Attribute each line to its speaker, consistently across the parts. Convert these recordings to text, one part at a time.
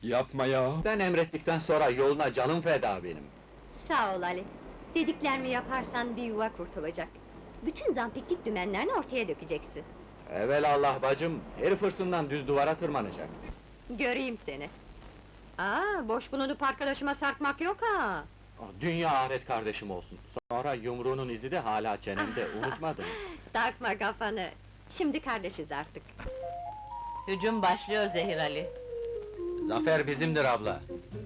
Speaker 1: Yapma ya!
Speaker 2: Sen emrettikten sonra yoluna canım feda benim.
Speaker 3: Sağ ol Ali. Dediklerimi yaparsan bir yuva kurtulacak. Bütün zampiklik dümenlerini ortaya dökeceksin.
Speaker 2: Evelallah bacım, herif hırsından düz duvara tırmanacak.
Speaker 3: Göreyim seni. Boş bulunup arkadaşıma sarkmak yok ha!
Speaker 2: Dünya ahiret kardeşim olsun. Sonra yumruğunun izi de hala çenemde, unutmadın.
Speaker 3: Takma kafanı! Şimdi kardeşiz artık.
Speaker 4: Hücum başlıyor Zehir Ali.
Speaker 2: Zafer bizimdir abla.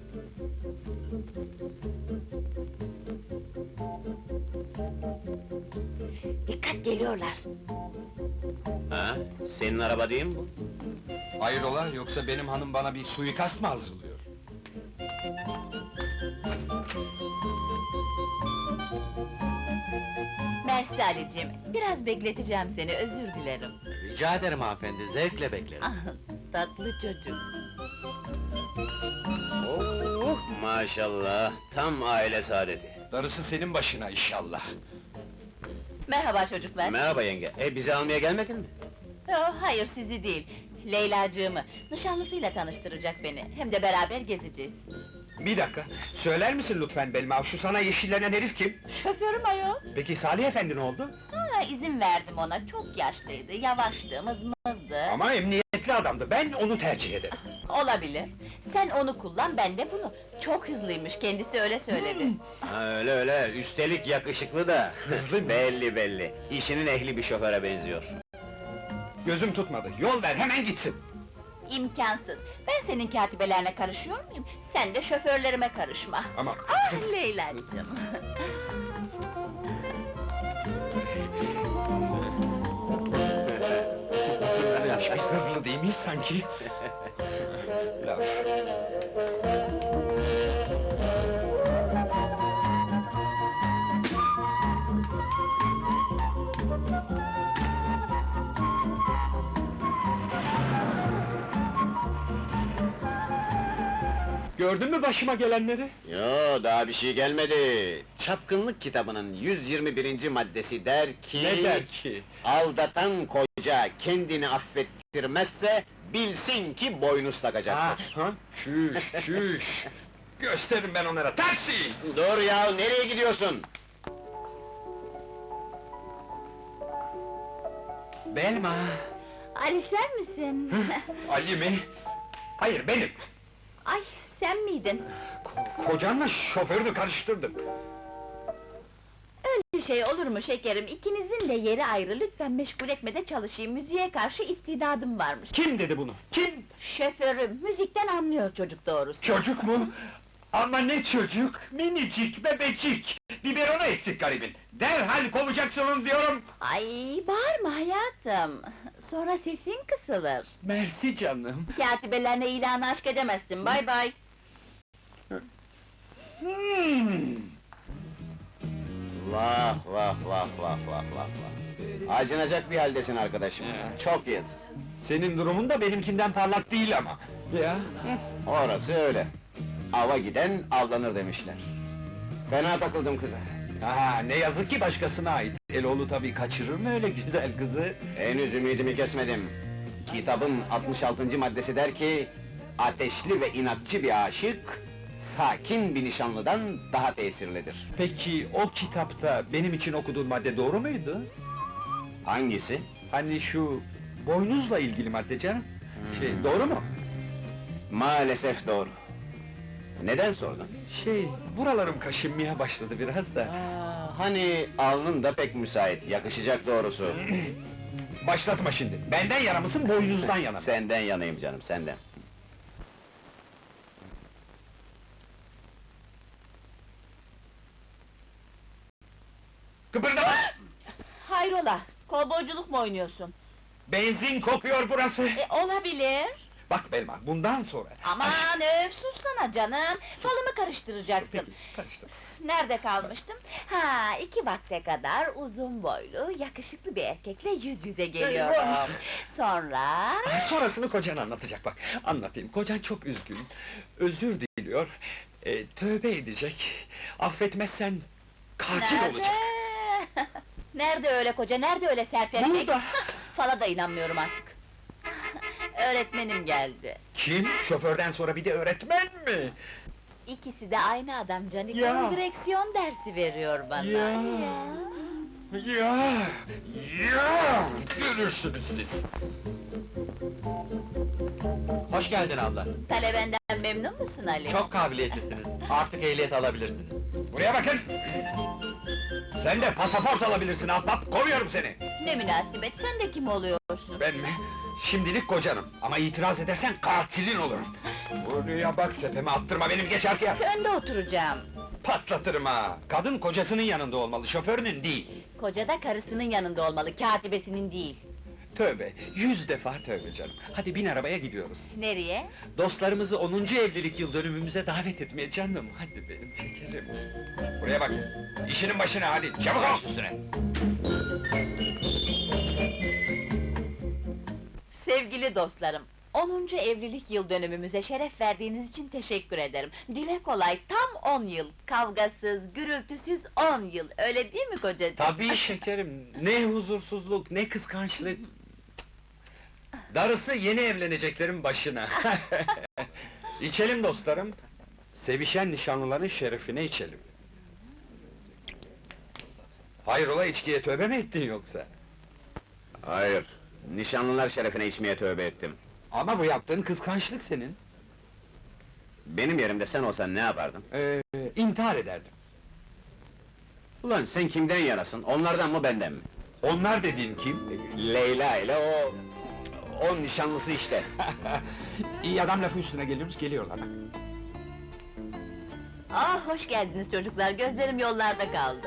Speaker 4: Dikkat, geliyorlar!
Speaker 5: Ha? Senin araba değil mi bu?
Speaker 1: Hayrola, yoksa benim hanım bana bir suikast mı hazırlıyor?
Speaker 4: Mersi Ali'cim, biraz bekleteceğim seni, özür dilerim.
Speaker 2: Rica ederim hanımefendi, zevkle beklerim.
Speaker 4: Ah, tatlı çocuk!
Speaker 5: Oh, maşallah, tam aile saadeti.
Speaker 1: Darısı senin başına inşallah.
Speaker 4: Merhaba çocuklar!
Speaker 5: Merhaba yenge, bizi almaya gelmedin mi?
Speaker 4: Yo, hayır sizi değil, Leylacığımı, nişanlısıyla tanıştıracak beni, hem de beraber gezeceğiz.
Speaker 1: Bir dakika, söyler misin lütfen Belma, şu sana yeşillenen herif kim?
Speaker 4: Şoförüm ayol!
Speaker 1: Peki Salih efendi ne oldu?
Speaker 4: İzin verdim ona, çok yaşlıydı, yavaştı, mızmızdı.
Speaker 1: Ama emniyetli adamdı, ben onu tercih ederim.
Speaker 4: Olabilir, sen onu kullan, ben de bunu. Çok hızlıymış, kendisi öyle söyledi.
Speaker 5: Ha, öyle öyle, üstelik yakışıklı da. Belli belli, işinin ehli bir şoföre benziyor.
Speaker 1: Gözüm tutmadı, yol ver, hemen gitsin!
Speaker 4: İmkansız! Ben senin katibelerine karışıyor muyum? Sen de şoförlerime karışma!
Speaker 1: Ama
Speaker 4: Ah Leyla'cığım!
Speaker 1: biz hızlı değil miyiz sanki? Laf. Gördün mü başıma gelenleri?
Speaker 5: Yo, daha bir şey gelmedi. Çapkınlık kitabının 121. maddesi der ki...
Speaker 1: Ne der ki?
Speaker 5: Aldatan koca kendini affettirmezse, bilsin ki boynuz takacaktır.
Speaker 1: Ha? Çüş, çüş! Gösteririm ben onlara, taksi!
Speaker 5: Dur ya, nereye gidiyorsun?
Speaker 1: Belma!
Speaker 4: Ali sen misin?
Speaker 1: Ali mi? Hayır, benim!
Speaker 4: Ay, sen miydin?
Speaker 1: Kocanla şoförünü karıştırdım.
Speaker 4: Öyle şey olur mu şekerim? İkinizin de yeri ayrı, lütfen meşgul etme de çalışayım, müziğe karşı istidadım varmış.
Speaker 1: Kim dedi bunu? Kim?
Speaker 4: Şoförüm, müzikten anlıyor çocuk doğrusu.
Speaker 1: Çocuk mu? Ama ne çocuk? Minicik, bebecik! Biberonu eksik garibin! Derhal kovacaksın onu diyorum!
Speaker 4: Ay, bağırma hayatım! Sonra sesin kısılır.
Speaker 1: Mersi canım!
Speaker 4: Katibelerine ilanı aşk edemezsin, bay bay!
Speaker 5: Vah vah vah vah vah vah vah! Acınacak bir haldesin arkadaşım, çok yazık.
Speaker 1: Senin durumun da benimkinden parlak değil ama! Ya?
Speaker 5: Orası öyle. Ava giden avlanır demişler. Fena takıldım kıza.
Speaker 1: Ha, ne yazık ki başkasına ait. Eloğlu tabii kaçırır mı öyle güzel kızı?
Speaker 5: Henüz ümidimi kesmedim. Kitabın 66. maddesi der ki... Ateşli ve inatçı bir aşık... Sakin bir nişanlıdan daha tesirlidir.
Speaker 1: Peki o kitapta benim için okuduğun madde doğru muydu?
Speaker 5: Hangisi?
Speaker 1: Hani şu boynuzla ilgili madde canım? Doğru mu?
Speaker 5: Maalesef doğru. Neden sordun?
Speaker 1: Buralarım kaşınmaya başladı biraz da.
Speaker 5: Hani alnın da pek müsait, yakışacak doğrusu.
Speaker 1: Başlatma şimdi, benden yana mısın, boynuzdan yana mı?
Speaker 5: Senden yanayım canım, senden.
Speaker 1: Kıpırdama!
Speaker 4: Hayrola, kovboyculuk mu oynuyorsun?
Speaker 1: Benzin kokuyor burası!
Speaker 4: Olabilir!
Speaker 1: Bak Belma, bundan sonra...
Speaker 4: Aman öf, sussana canım! Falımı karıştıracaksın!
Speaker 1: Peki, karıştır.
Speaker 4: Nerede kalmıştım? Ha, 2 vakte kadar uzun boylu, yakışıklı bir erkekle yüz yüze geliyorum. Sonra...
Speaker 1: Sonrasını kocan anlatacak bak, anlatayım. Kocan çok üzgün, özür diliyor, tövbe edecek, affetmezsen... Katil
Speaker 4: Nerede?
Speaker 1: olacak!
Speaker 4: Nerede öyle koca, nerede öyle sert erkek?
Speaker 1: Burada!
Speaker 4: Fala da inanmıyorum artık. öğretmenim geldi.
Speaker 1: Kim? Şoförden sonra bir de öğretmen mi?
Speaker 4: İkisi de aynı adam Canika,
Speaker 1: Ya!
Speaker 4: direksiyon dersi veriyor bana.
Speaker 1: Ya! Ya! Görürsünüz siz!
Speaker 2: Hoş geldin abla.
Speaker 4: Talebenden memnun musun Ali?
Speaker 2: Çok kabiliyetlisiniz. Artık ehliyet alabilirsiniz.
Speaker 1: Buraya bakın! Sen de pasaport alabilirsin ahbap, kovuyorum seni!
Speaker 4: Ne münasebet, sen de kim oluyorsun?
Speaker 1: Ben mi? Şimdilik kocanım, ama itiraz edersen katilin olurum! Buraya bak, tepeme attırma benim, geç arkaya!
Speaker 4: Önde oturacağım.
Speaker 1: Patlatırım ha! Kadın kocasının yanında olmalı, şoförünün değil!
Speaker 4: Koca da karısının yanında olmalı, katibesinin değil.
Speaker 1: Tövbe, 100 defa tövbe canım! Hadi bin arabaya gidiyoruz!
Speaker 4: Nereye?
Speaker 1: Dostlarımızı 10. evlilik yıl dönümümüze davet etmeye canım, hadi benim şekerim! Buraya bak, işinin başına hadi, çabuk ol! Üstüne!
Speaker 4: Sevgili dostlarım, 10. evlilik yıl dönümümüze şeref verdiğiniz için teşekkür ederim. Dile kolay, tam 10 yıl, kavgasız, gürültüsüz 10 yıl, öyle değil mi kocacığım?
Speaker 1: Tabii şekerim, ne huzursuzluk, ne kıskançlık! Darısı yeni evleneceklerin başına! İçelim dostlarım! Sevişen nişanlıların şerefine içelim! Hayrola, içkiye tövbe mi ettin yoksa?
Speaker 5: Hayır, nişanlılar şerefine içmeye tövbe ettim.
Speaker 1: Ama bu yaptığın kıskançlık senin!
Speaker 5: Benim yerimde sen olsan ne yapardın?
Speaker 1: İntihar ederdim!
Speaker 5: Ulan sen kimden yanasın, onlardan mı benden mi?
Speaker 1: Onlar dediğin kim?
Speaker 5: Leyla ile o nişanlısı işte.
Speaker 1: İyi adam lafı üstüne geliriz, geliyorlar bak!
Speaker 4: Ah, hoş geldiniz çocuklar, gözlerim yollarda kaldı.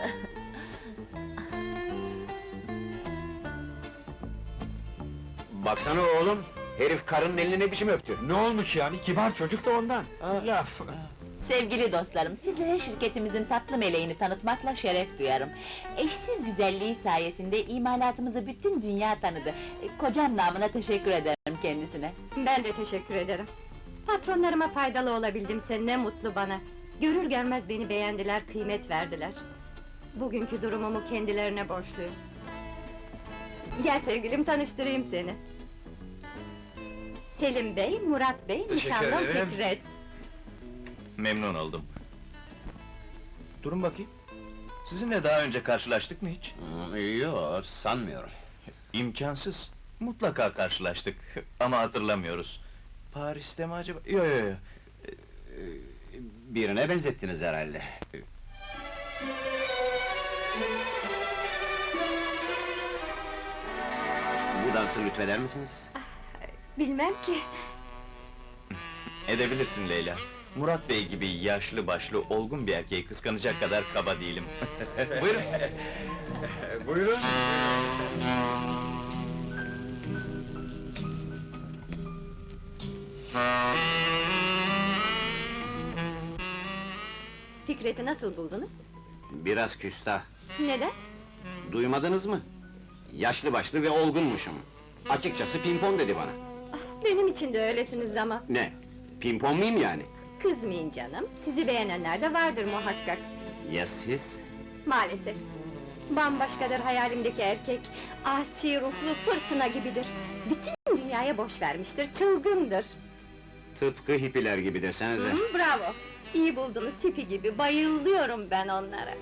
Speaker 5: Baksana oğlum, herif karının elini ne biçim öptü?
Speaker 1: Ne olmuş yani, kibar çocuk da ondan! Laf!
Speaker 4: Sevgili dostlarım, sizlere şirketimizin tatlı meleğini tanıtmakla şeref duyarım. Eşsiz güzelliği sayesinde imalatımızı bütün dünya tanıdı. Kocam namına teşekkür ederim kendisine.
Speaker 3: Ben de teşekkür ederim. Patronlarıma faydalı olabildim, ne mutlu bana. Görür görmez beni beğendiler, kıymet verdiler. Bugünkü durumumu kendilerine borçluyum. Gel sevgilim, tanıştırayım seni. Selim Bey, Murat Bey,
Speaker 1: Teşekkür
Speaker 3: nişanlım
Speaker 1: ederim.
Speaker 3: Fikret.
Speaker 6: Memnun oldum. Durun bakayım. Sizinle daha önce karşılaştık mı hiç?
Speaker 5: Yok, sanmıyorum.
Speaker 6: İmkansız. Mutlaka karşılaştık ama hatırlamıyoruz. Paris'te mi acaba? Yo yo yo.
Speaker 5: Birine benzettiniz herhalde. Bu dansı lütfeder misiniz?
Speaker 3: Bilmem ki.
Speaker 6: Edebilirsin Leyla. Murat Bey gibi yaşlı başlı olgun bir erkeği kıskanacak kadar kaba değilim. Buyurun.
Speaker 1: Buyurun!
Speaker 3: Fikret'i nasıl buldunuz?
Speaker 5: Biraz küstah.
Speaker 3: Neden?
Speaker 5: Duymadınız mı? Yaşlı başlı ve olgunmuşum. Açıkçası pimpon dedi bana.
Speaker 3: Benim için de öylesiniz ama.
Speaker 5: Ne? Pimpon muyum yani?
Speaker 3: Kızmayın canım, sizi beğenenler de vardır muhakkak.
Speaker 5: Ya siz?
Speaker 3: Maalesef. Bambaşkadır hayalimdeki erkek. Asi ruhlu fırtına gibidir. Bütün dünyaya boş vermiştir, çılgındır.
Speaker 5: Tıpkı hippiler gibi desenize.
Speaker 3: Hı, bravo! İyi buldunuz hippie gibi, bayılıyorum ben onlara.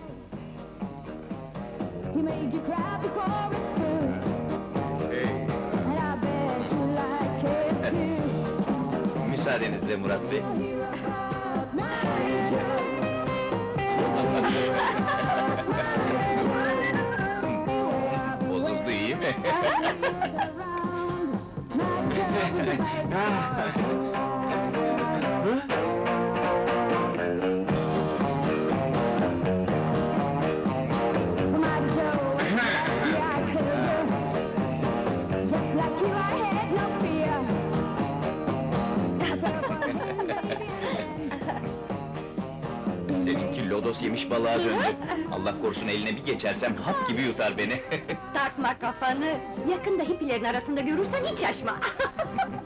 Speaker 7: He made you cry before it's through,
Speaker 5: Hey.
Speaker 7: and I bet you like it too.
Speaker 6: Müsaadenizle Murat Bey.
Speaker 7: Hero of my joy.
Speaker 6: Bozuldu iyi mi? Seninki lodos yemiş balığa döndü. Allah korusun eline bir geçersem hap gibi yutar beni.
Speaker 3: Takma kafanı! Yakında hippilerin arasında görürsen hiç şaşma!